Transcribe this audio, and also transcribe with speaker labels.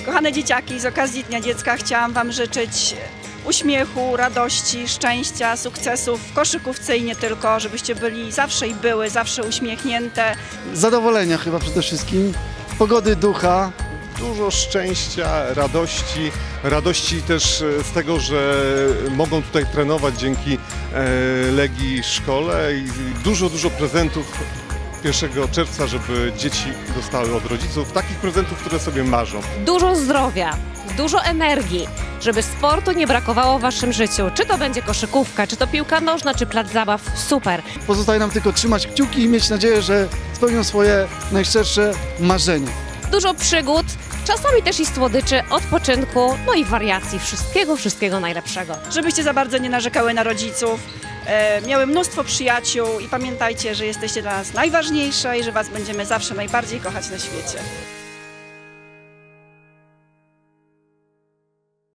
Speaker 1: Kochane dzieciaki, z okazji Dnia Dziecka chciałam Wam życzyć uśmiechu, radości, szczęścia, sukcesów w koszykówce i nie tylko, żebyście byli zawsze i były zawsze uśmiechnięte.
Speaker 2: Zadowolenia chyba przede wszystkim, pogody ducha.
Speaker 3: Dużo szczęścia, radości też z tego, że mogą tutaj trenować dzięki Legii szkole i dużo prezentów 1 czerwca, żeby dzieci dostały od rodziców takich prezentów, które sobie marzą.
Speaker 4: Dużo zdrowia, dużo energii, żeby sportu nie brakowało w waszym życiu. Czy to będzie koszykówka, czy to piłka nożna, czy plac zabaw, super.
Speaker 2: Pozostaje nam tylko trzymać kciuki i mieć nadzieję, że spełnią swoje najszczersze marzenia.
Speaker 4: Dużo przygód, czasami też i słodyczy, odpoczynku, no i wariacji. Wszystkiego najlepszego.
Speaker 1: Żebyście za bardzo nie narzekały na rodziców, miały mnóstwo przyjaciół i pamiętajcie, że jesteście dla nas najważniejsze i że Was będziemy zawsze najbardziej kochać na świecie.